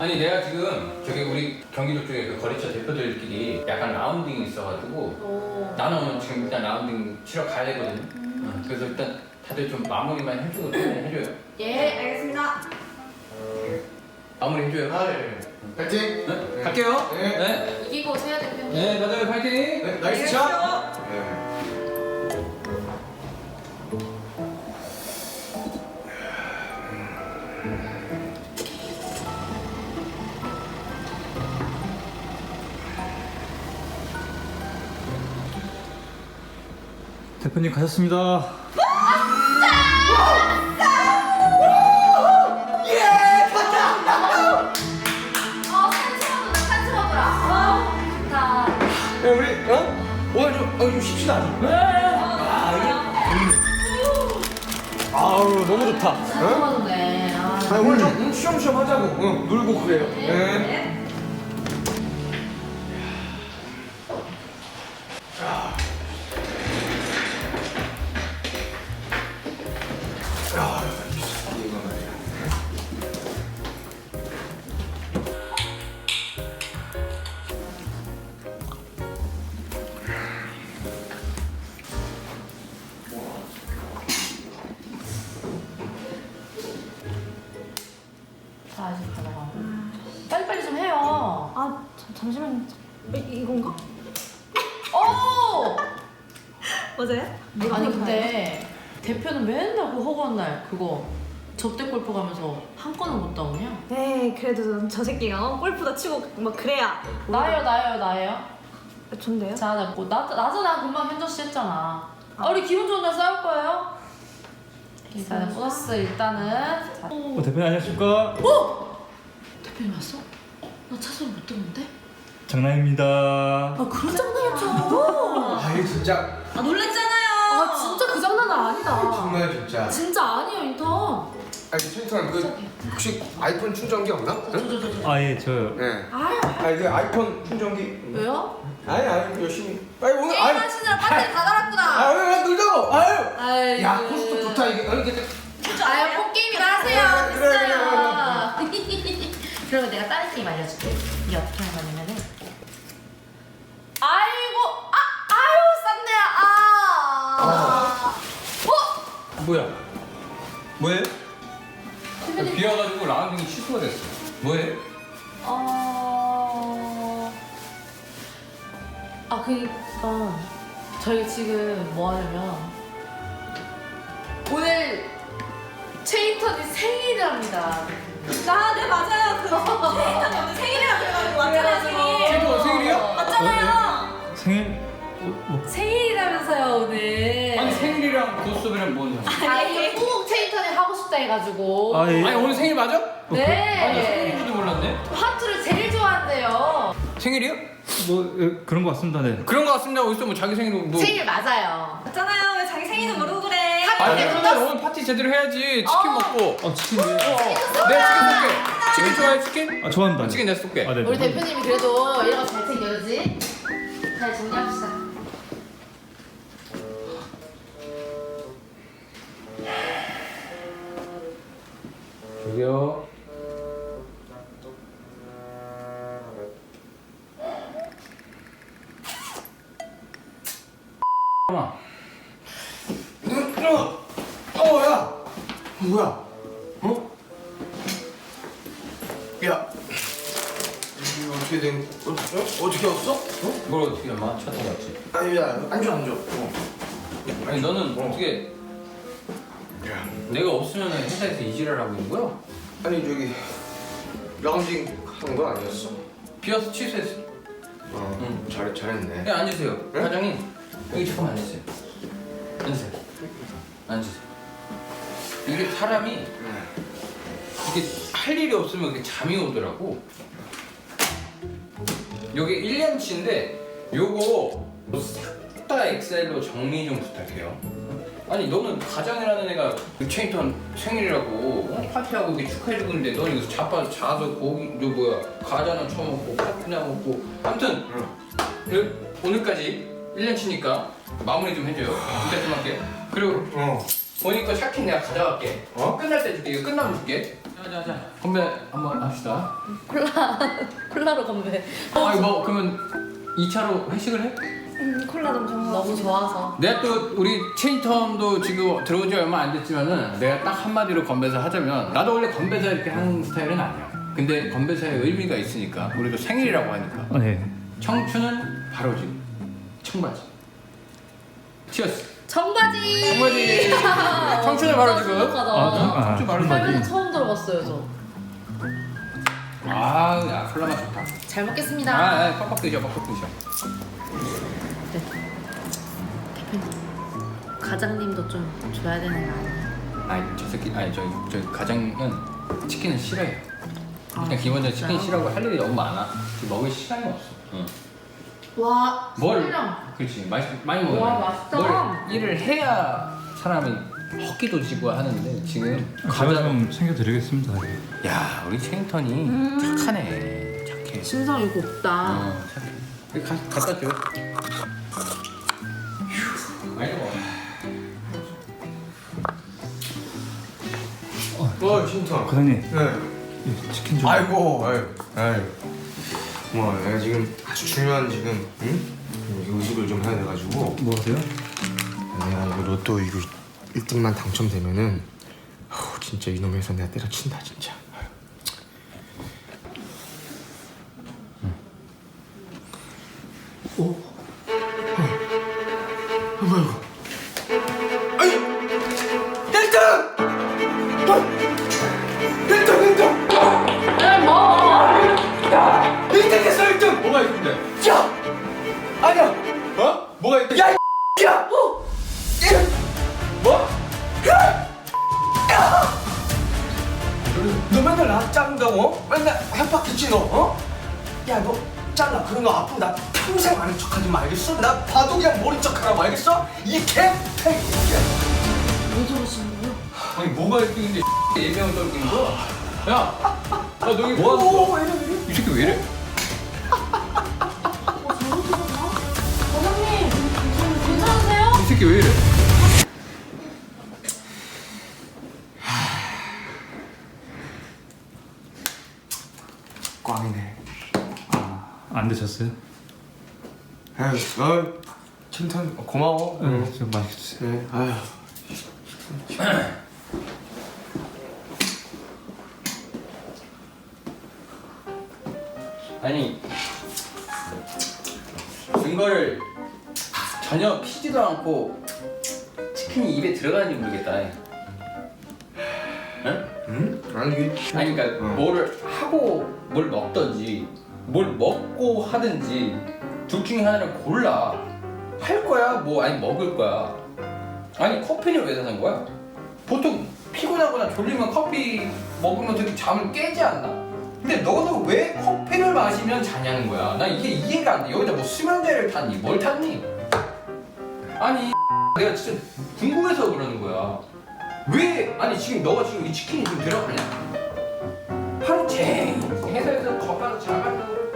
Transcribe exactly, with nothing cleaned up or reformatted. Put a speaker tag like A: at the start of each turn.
A: 아니 내가 지금 저기 우리 경기도 쪽에 그 거래처 대표들끼리 약간 라운딩이 있어가지고
B: 오.
A: 나는 지금 일단 라운딩 치러 가야 되거든. 음. 어, 그래서 일단 다들 좀 마무리만 해주고 좀 해줘요.
B: 예, 알겠습니다.
A: 마무리 해줘요.
C: 아, 예. 파이팅!
A: 네?
C: 네.
A: 갈게요.
C: 네.
A: 네.
B: 이기고 세야 대표님.
A: 네, 다들 파이팅.
C: 네, 나이스 샷! 네.
D: 대표님 가셨습니다.
B: 어, 산수하구나, 산수하구나. 아, 좋다.
C: 야, 우리, 어? 오늘 좀, 어, 좀 쉽시다.
D: 아우 너무 좋다.
B: 산수하네. 아.
C: 아, 오늘 좀 음, 쉬엄쉬엄 하자고. 응, 놀고 그래요. 네. 아, 이거 말이야.
B: 아, 아직 가다가. 빨리빨리 좀 해요.
E: 아 잠, 잠시만요. 이, 이건가?
B: 오!
E: 맞아요?
B: 아니 근데 대표는 맨날 그 허구한 날 그거 접대 골프 가면서 한 건은 못 따오냐?
E: 네 그래도 저 새끼가 어? 골프도 치고 막 그래야
B: 나예요 나예요 나예요.
E: 아, 좋은데요?
B: 자, 나, 뭐, 나, 나잖아. 금방 현저 씨 했잖아. 아, 우리 기분 좋은 날 싸울 거예요? 일단은 플러스 일단은. 자.
D: 어, 대표님 안녕하십니까?
B: 대표님 왔어? 나 차소리 못 듣는데?
D: 장난입니다.
B: 아, 그런 장난이었죠.
C: 아이, 진짜.
E: 아 놀랬잖아요.
B: 아, 진짜 그 장난은 아니다.
C: 정말 진짜.
B: 진짜 아니에요, 인턴.
C: 아니, 최인턴, 그, 혹시 아이폰 충전기 없나?
B: 저, 저, 저, 저.
D: 아 예 저요.
C: 네.
B: 아유,
C: 아니, 그 아이폰 충전기.
B: 왜요?
C: 아니, 아니, 열심히. 아니, 오늘, 아니.
B: 게임하시느라 배터리 다 달았구나.
C: 아, 오늘 놀자고! 아유!
B: 아유.
C: 야, 코스도 좋다, 이게. 어, 이게.
B: 아유, 폰게임이나 하세요.
C: 그래, 그래, 그래,
B: 됐어요. 그러면 내가 다른 게임 알려줄게. 이게 어떻게 하는 거냐면은. 아이고, 아, 아유, 쌌네, 아. 어?
A: 뭐야? 뭐해?
B: 대표님.
A: 비 와가지고 라운딩이 취소가 됐어. 뭐해?
B: 어. 아, 그니까. 저희 지금 뭐 하냐면. 오늘 최인턴이 생일이랍니다.
E: 아, 네 맞아요. 그 최인턴 오늘 생일이라 그래가지고 왔잖아요 생일.
A: 최인턴 생일이야?
E: 맞잖아요.
D: 생일 어, 뭐
B: 생일이라면서요, 오늘.
A: 아니 생일이랑 고스톱이랑 뭔 상관?
B: 아니, 꼭 최인턴이 하고 싶다 해가지고.
D: 아 예.
A: 아니 오늘 생일 맞아?
B: 네.
A: 아니 생일인지도 몰랐네.
B: 하트를 제일 좋아한대요.
A: 생일이야?
D: 뭐 예, 그런 것 같습니다. 네.
A: 그런 거 같습니다. 어디서 뭐 자기 생일 뭐?
B: 생일 맞아요.
E: 맞잖아요. 왜 자기 생일도 모르고 그래?
A: 아니
B: 네,
A: 그러면 오늘 파티 제대로 해야지. 치킨
B: 어.
A: 먹고.
D: 아 치킨 네.
A: 내 치킨 쏠게. 치킨 좋아해 치킨?
D: 아 좋아한다.
A: 치킨 내가 쏠게.
D: 아 네.
B: 우리 대표님이 그래도 이런 거 잘 챙겨주지? 잘 정리합시다.
A: 저기요. 잠깐만.
C: 어, 어, 야! 뭐야? 어? 야! 이게 어떻게 된, 어, 어? 어떻게 왔어? 어?
A: 뭘 어떻게 얼마 찾아왔지?
C: 아니, 야, 앉아, 앉아. 어.
A: 아니 너는 어떻게
C: 야.
A: 내가 없으면 회사에서 이지랄 하고 있는 거야?
C: 아니, 저기, 라운딩 하는 거 아니었어?
A: 비어서 취소했어.
C: 어,
A: 응.
C: 잘, 잘했네.
A: 네, 앉으세요.
C: 네?
A: 과장님 여기 잠깐만 앉으세요. 앉으세요. 앉으세요. 이게 사람이
C: 응.
A: 이게 할 일이 없으면 이게 잠이 오더라고. 여기 일 년치인데 요거 싹 다 엑셀로 정리 좀 부탁해요. 아니 너는 과장이라는 애가 그 체인턴 생일이라고 어? 파티하고 이렇게 축하해주고 있는데 너는 여기서 자빠져 자서 고기 저 뭐야 과자나 처먹고 커피나 먹고 아무튼
C: 응.
A: 그, 오늘까지 일 년치니까 마무리 좀 해줘요. 부탁 좀 할게. 그리고
C: 어.
A: 보니까 샤킨 내가 가져갈게.
C: 어?
A: 끝날 때 줄게. 이거 끝나면 줄게. 자, 자, 자. 건배 한번 합시다.
B: 콜라 콜라로 건배.
A: 아니 뭐 그러면 이 차로 회식을 해?
E: 음, 콜라 너무 좋은 거
B: 너무 좋아서.
A: 내가 또 우리 체인텀도 지금 들어온 지 얼마 안 됐지만은 내가 딱 한마디로 건배사 하자면 나도 원래 건배사 이렇게 하는 스타일은 아니야. 근데 건배사의 의미가 있으니까 우리도 생일이라고 하니까
D: 아, 네.
A: 청춘은 바로 지금 청바지. 치어스.
B: 청바지.
A: 청바지. 청춘은 바로 지금.
B: 아,
A: 청춘 바로
B: 살면서
A: 지금.
B: 처음 들어봤어요 저.
A: 아, 야 콜라 맛 좋다.
B: 잘 먹겠습니다.
A: 아, 아, 빡빡 드셔, 빡빡 드셔.
B: 네. 대표님 과장님도 좀 줘야 되는 거 아니에요?
A: 아니 저 새끼, 아니 저희 저희 가장은 치킨을 싫어해요.
B: 아,
A: 그냥 기본적으로 치킨
B: 진짜요?
A: 싫어하고 할 일이 너무 많아. 지금 먹을 시간이 없어. 응.
B: 와,
A: 뭘?
B: 설령.
A: 그렇지, 많이 많이 먹어.
B: 와, 맛있다.
A: 뭘 일을 해야 사람이 헛기도 지고 하는데 지금
D: 제가 좀 챙겨드리겠습니다.
A: 야 우리 체인턴이
B: 음.
A: 착하네, 착해.
B: 신성이 곱다.
A: 어, 착해. 여기 가, 갖다 줘. 휴, 많이 먹어.
C: 어, 신턴.
D: 과장님,
C: 네.
D: 이 치킨 좀.
C: 아이고, 아이고, 아이고. 뭐, 내가 지금 아주 중요한 지금, 응? 의식을 좀 해야 돼가지고.
D: 뭐 하세요?
C: 내가 이거 로또 이거 일 등만 당첨되면은, 어우, 진짜 이놈 회사 내가 때려친다, 진짜. 아유. 오. 어. 어, 뭐야 이거? 아이, 일 등! 어! 일 등, 일 등!
B: 에 뭐?
C: 일 등 했어, 일 등!
A: 뭐가 있는데?
C: 야! 아니야!
A: 어? 뭐가 있대?
C: 야! 이 야! 어! 야!
A: 뭐?
C: 너 맨날 나 짠다고? 어? 맨날 협박했지 너? 어? 야 너 짠나 그런 거 앞으로 나 평생 아는 척하지 마 알겠어? 나 봐도 그냥 모른 척하라고 알겠어? 이 개패!
B: 왜 저러시는 거예요?
A: 아니 뭐가 있길래 예명을 떨기는 거야? 야! 야 너 여기 뭐 하는
C: 오,
A: 거야?
C: 왜 이래 왜 이래?
A: 이 새끼 왜 이래?
B: 어, 잘못하셨나? 과장님, 괜찮으세요?
A: 이 새끼 왜 이래?
C: 꽝이네.
D: 안 드셨어요?
C: 에휴, 어, 칭찬 고마워.
D: 네, 좀 맛있게 드세요.
C: 네, 아휴.
A: 아니 증거를 전혀 피지도 않고 치킨이 입에 들어가는지 모르겠다. 응?
C: 응? 아니 이게
A: 아니 그러니까
C: 어.
A: 뭐를 하고 뭘 먹던지 뭘 먹고 하든지 둘 중에 하나를 골라. 할 거야 뭐 아니 먹을 거야. 아니 커피를 왜 사는 거야? 보통 피곤하거나 졸리면 커피 먹으면 되게 잠을 깨지 않나? 근데 너는 왜 커피를 마시면 자냐는 거야. 나 이게 이해가 안 돼. 여기다 뭐 수면제를 탔니? 뭘 탔니? 아니 내가 진짜 궁금해서 그러는 거야. 왜 아니 지금 너가 지금 이 치킨이 지금 들어가냐? 하루 종일 회사에서 더 가서 자가지고